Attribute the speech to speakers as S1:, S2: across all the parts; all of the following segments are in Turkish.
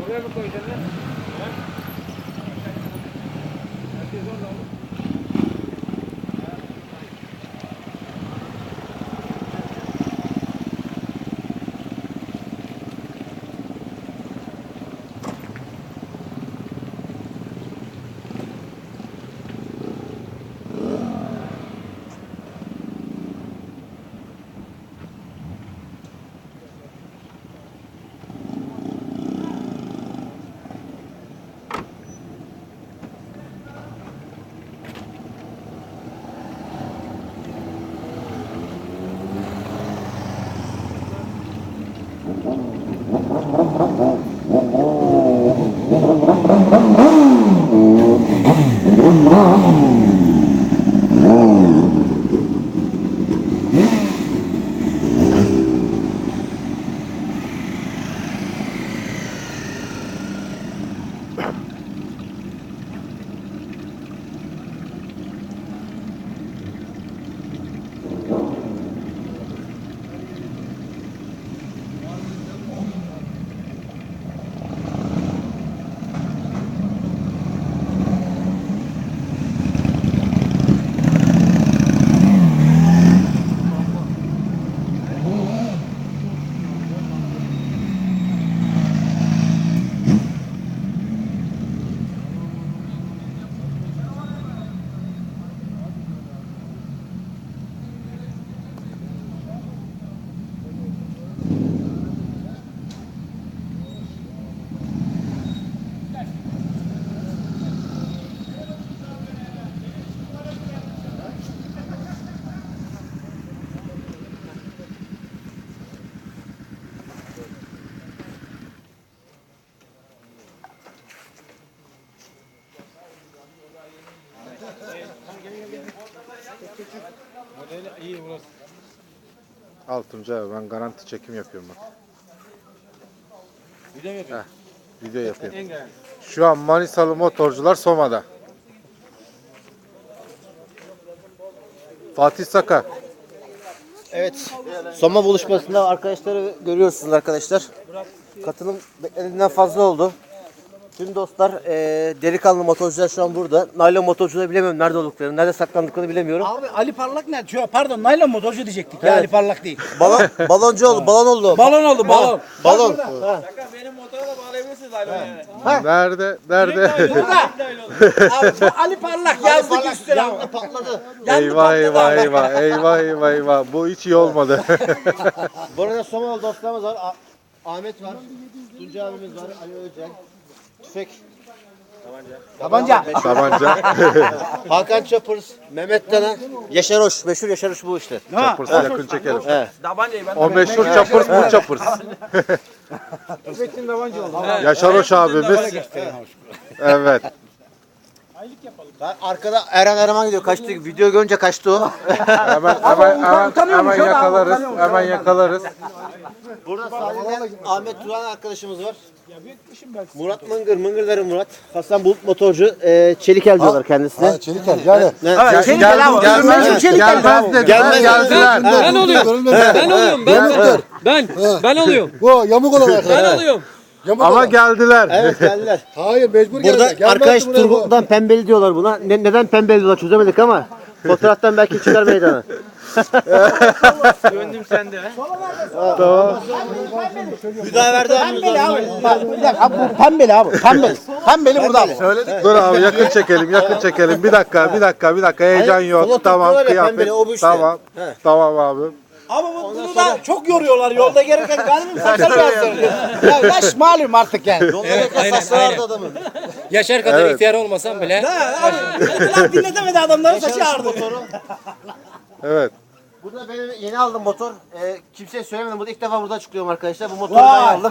S1: Buraya mı koyacaksın lan? İyi burası.
S2: Al Tuncay abi, ben garanti çekim yapıyorum bak.
S1: Video mu yapıyorsun?
S2: Video yapıyorum. Şu an Manisalı motorcular Soma'da. Fatih Saka.
S3: Evet. Soma buluşmasında arkadaşları görüyorsunuz arkadaşlar. Katılım beklediğinden fazla oldu. Tüm dostlar, delikanlı motorcular şu an burada. Naylon motorcuları bilemiyorum nerede olduklarını, nerede saklandıklarını bilemiyorum.
S4: Abi Ali Parlak ne? Pardon, naylon motorcu diyecektik ya, Ali Parlak değil.
S3: Baloncu oldu, balon oldu.
S4: Balon oldu, balon.
S3: Balon.
S1: Benim motora da bağlayabilirsiniz Ali yani.
S2: Nerede?
S4: Burada. Abi bu Ali Parlak yazdık üstüne ama.
S3: Patladı.
S2: Eyvah. Bu hiç iyi olmadı.
S3: Bu arada Somalı dostlarımız var. Ahmet var. Tuncay abimiz var. Ali Özcan. Tüfek.
S4: Tabanca.
S3: Hakan Çapırız. Mehmet Dana. Yaşar Hoş. Meşhur Yaşar Hoş bu işte.
S2: Çapırs'ı yakın çekelim.
S1: Tabancayı ben
S2: O meşhur Çapırs, bu Çapırs.
S1: Tüfekçinin tabanca oldu.
S2: Yaşar Hoş abimiz. Evet.
S3: Arkada Erhan gidiyor. Kaçtı. Video görünce kaçtı o.
S2: Hemen yakalarız.
S3: Burada sadece Ahmet Turan arkadaşımız var. Murat Mıngırların Murat. Hasan Bulut motorcu. Çelikel diyorlar kendisine.
S5: Çelikel yani.
S2: Gelmez geldiler.
S6: Ben oluyorum. Ben oluyorum.
S5: Bu yamuk olan arkadaşlar.
S6: Ben oluyorum.
S5: Yamuk
S2: Ama
S5: olan.
S2: geldiler.
S3: Evet geldiler.
S5: Hayır mecbur
S3: Burada
S5: geldiler. Gelmezdi
S3: arkadaş
S5: buraya bu.
S3: Turgut'tan pembeli diyorlar buna. Neden pembeli diyorlar çözemedik ama fotoğraftan belki çıkar meydana.
S1: Gönlüm sende ha.
S2: Tamam.
S3: Hüdaverdi abimiz
S4: Pembeli
S3: var.
S4: abi. Bak, bir dakika, bu pembeli abi. Pembeli burada abi.
S2: Dur abi, yakın çekelim. Bir dakika. Heyecan
S3: Hayır,
S2: yok.
S3: solo
S2: Tamam,
S3: tutuyorlar ya,
S2: kıyafet.
S3: pembeli, o bu işte.
S2: Tamam abi.
S4: Ama bunu da çok yoruyorlar yolda gelirken galiba saçlar yazdırıyor. Ya yaş malum artık yani.
S3: Evet, saçları vardı adamın.
S6: Yaşar kadar ihtiyar olmasam bile.
S4: Lan dinletemedi adamların saçı ağrıdı.
S3: Motoru.
S2: Evet.
S3: Burada benim yeni aldım motor. Kimseye söylemedim. Burada ilk defa burada çıkıyorum arkadaşlar. Bu motoru ben aldım.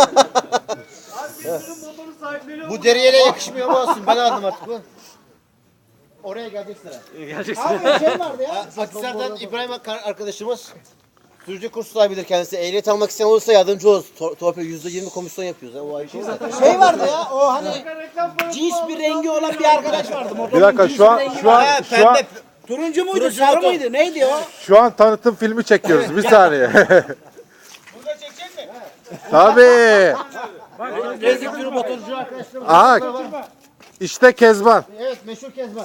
S3: Bu deriyle yakışmıyor ama olsun. Ben aldım artık bu. Oraya gelecek sıra.
S4: Abi şey vardı ya.
S3: Akhisar'dan İbrahim arkadaşımız. Sürücü kurs sahibidir kendisi. Ehliyet almak isteyen olursa yardımcı oluruz. Torpil %20 komisyon yapıyoruz. O ayrı şey zaten.
S4: Şey vardı ya, o hani cins bir rengi olan bir arkadaş vardı.
S2: Bir dakika, şu an
S4: Turuncu muydu, sarı mıydı, neydi o?
S2: şu an tanıtım filmi çekiyoruz. Bir saniye.
S1: Burada çekecek mi?
S2: Tabii.
S3: Gezdik türü motorcu arkadaşlarımız.
S2: Aha, işte Kezban.
S3: Evet, meşhur Kezban.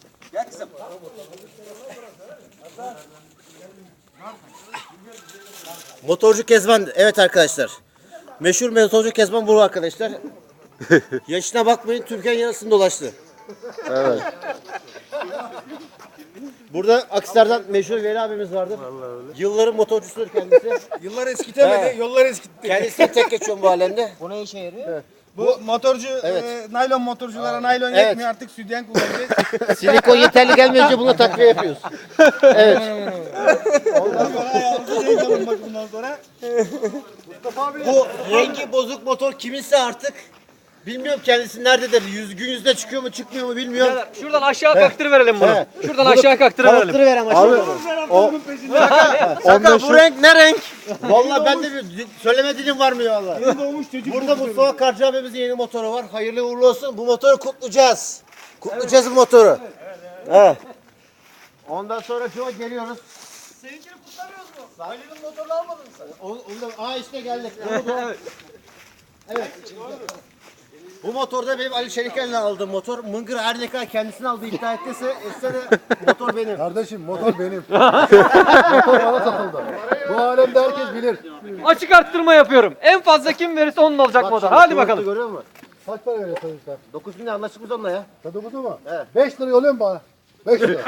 S3: Motorcu Kezban. Evet arkadaşlar. Meşhur motorcu Kezban bu arkadaşlar. Yaşına bakmayın, Türkiye'nin yarısını dolaştı.
S2: Evet.
S3: Burada Aksar'dan meşhur Veli abimiz vardı. Yılların motorcusudur kendisi.
S1: Yıllar eskitemedi, yollar eskitti.
S3: Kendisi tek geçiyorum bu alemde.
S4: Bu ne işe yarıyor?
S1: Bu motorcu, naylon motorculara naylon
S3: Evet.
S1: yetmiyor artık sütyen kullanacağız.
S3: Silikon yeterli gelmeyince buna takviye yapıyoruz. Evet.
S1: Ondan sonra ayağımızı renk alın bak bundan sonra.
S3: Bu rengi bozuk motor kiminse artık bilmiyorum kendisi nerededir. Gün yüzüne çıkıyor mu çıkmıyor mu bilmiyorum.
S6: Şuradan aşağı kaktırıverelim bunu.
S3: Evet.
S6: Şuradan aşağı kaktırıverelim.
S3: Kalıptırı ver ama şimdi.
S2: Ondan
S3: Bu renk ne renk? Vallahi ben de bir söyleme dilim varmıyor valla. Burada Mustafa Karcı abimizin yeni motoru var. Hayırlı uğurlu olsun. Bu motoru kutlayacağız. Kutlayacağız bu motoru. Evet. Ondan sonra şu geliyoruz.
S1: Seninkini kutlamıyoruz mu?
S3: Sahilinin motorunu almadın mı sen? Onu da, işte geldik. Evet. Bu motorda benim Ali Çeliken'le aldığım motor. Mıngır her ne kadar kendisini aldığı iddia ettiyse etse de motor benim.
S5: Kardeşim motor benim. Motor bana satıldı. Bu alemde herkes bilir.
S6: Açık arttırma yapıyorum. En fazla kim verirse onun olacak motor. Hadi bakalım.
S3: Görüyor musun?
S5: Kaç para veriyorsun sen?
S3: 9 bin lira anlaştık biz onunla ya.
S5: Tadı budu mu?
S3: Evet.
S5: 5 lira yolluyor mu bana? 5 lira.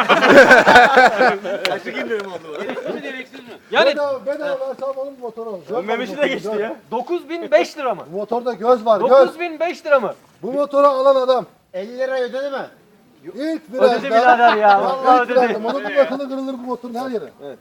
S6: Yani
S5: Bedava versem onun motoru.
S1: Memişi de geçti ya.
S6: 9005 lira mı?
S5: Bu motorda göz var göz.
S6: 9005 lira mı?
S5: Bu motoru alan adam
S3: 50 lira ödedi mi?
S5: ilk virajda.
S6: Ödedi birader ya. Vallahi
S5: İlk virajda.
S6: ödedi.
S5: Motorun yakını kırılır bu motorun her yeri. Evet.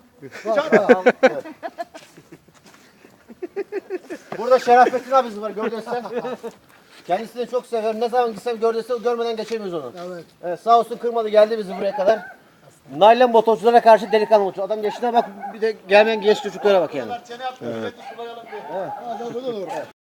S3: Burada Şerafettin abimiz var gördüysen. Kendisini çok severim. Ne zaman gitsem gördüysen görmeden geçemiyoruz onu.
S5: Evet.
S3: Evet, sağ olsun kırmadı geldi bizi buraya kadar. Naylon motorculara karşı delikanlı motorcu. Adam yaşına bak bir de gelmeyen genç çocuklara bak yani.